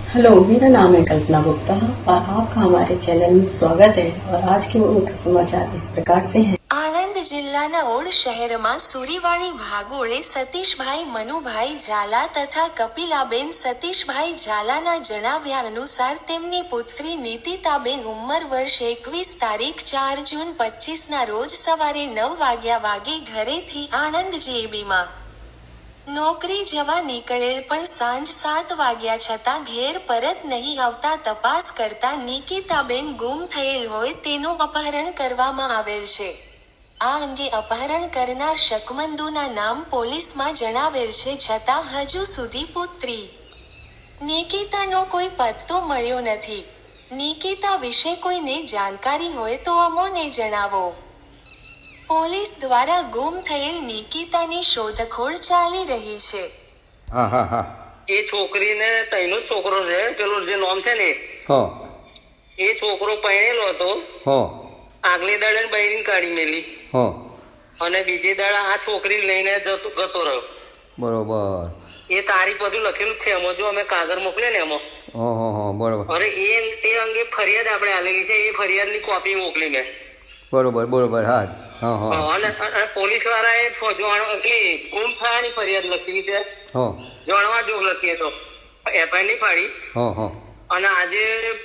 Hello, मेरा नाम है कल्पना गुप्ता और आपका हमारे चैनल में स्वागत है। और आज के मुख्य समाचार इस प्रकार से हैं। આણંદ જિલ્લાના ઓડ શહેરમાં સુરીવાડી ભાગોળે સતીશભાઈ મનુભાઈ ઝાલા તથા કપિલાબેન સતીશભાઈ ઝાલાના જણાવ્યા અનુસાર તેમની પુત્રી નીતિતાબેન ઉંમર વર્ષ 21 તારીખ 4 જૂન 25ના રોજ સવારે 9 વાગે ઘરેથી આણંદ જીએબીમાં નોકરી જવા નીકળેલ પણ સાંજ 7 વાગ્યા છતાં ઘેર પરત નહીં આવતા તપાસ કરતા નિકિતાબેન ગુમ થયેલ હોય તેનું અપહરણ કરવામાં આવેલ છે। આ અંગે અપહરણ કરનાર શકમંદુના નામ પોલીસમાં જણાવેલ છે, છતાં હજુ સુધી પુત્રી નિકિતાનો કોઈ પત્તો મળ્યો નથી। નિકિતા વિશે કોઈને જાણકારી હોય તો અમોને જણાવો। પોલીસ દ્વારા ગુમ થયેલ નિકિતાની શોધખોળ ચાલી રહી છે। હા હા હા એ છોકરીને તઈનો જ છોકરો છે, પેલો જે નામ છે ને હા એ છોકરો પરણેલો હતો। હા આગલી દાડે બૈરીને કાઢી મેલી હા અને બીજી દાડે આ છોકરી લઈને જતો રહ્યો। બરોબર। એ તારીખ બધું લખેલું જ છે એમાં, જો અમે કાગળ મોકલે ને એમાં। હા હા હા બરોબર અરે તે અંગે ફરિયાદ આપણે આલેલી છે, એ ફરિયાદની કોપી મોકલી મેં। બરોબર બરોબર હા જ હા હા અને પોલીસ વાળાએ ગુમ થયાની ફરિયાદ લખી છે, હા જાણવા જોગ લખીએ તો એફઆઈઆર નહીં પાડી। હા હા અને આજે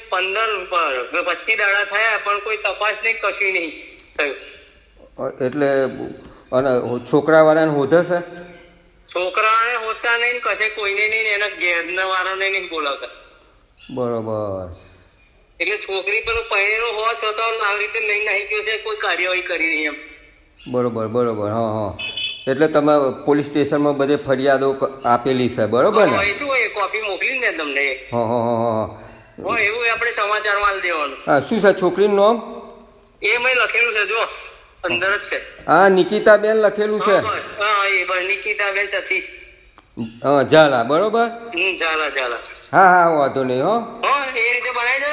25 દાડા થયા પણ કોઈ તપાસ નહીં, કશું નહીં થયું। એટલે અને છોકરાવાળાને હોધે છે? છોકરાને હોતા નહીં, કશે કોઈને નહીં, એના ઘેરના વાળાને નહીં બોલાવતા। બરોબર। એટલે છોકરી પેલો પહેરેલો હોવા છતાં આવી રીતે લઈને આવી ગયો છે, કોઈ કાર્યવાહી કરી નહીં એમ। બરોબર બરોબર હા હા એટલે તમે પોલીસ સ્ટેશનમાં બધે ફરિયાદો આપેલી છે બરોબર ને? શું હોય કોપી મોકલી ને તમને? હા હા હા હા હોય એવું આપણે સમાચારમાં આલી દેવાનું। હા શું છે છોકરીનું નામ? એ મેં લખેલું છે, જો અંદર જ છે। હા નિકિતાબેન લખેલું છે? બસ હા એ બસ નિકિતાબેન સતીશ હા ઝાલા બરોબર। ચાલા હા હા વાંધો નહીં હો। એ રીતે બનાવી દે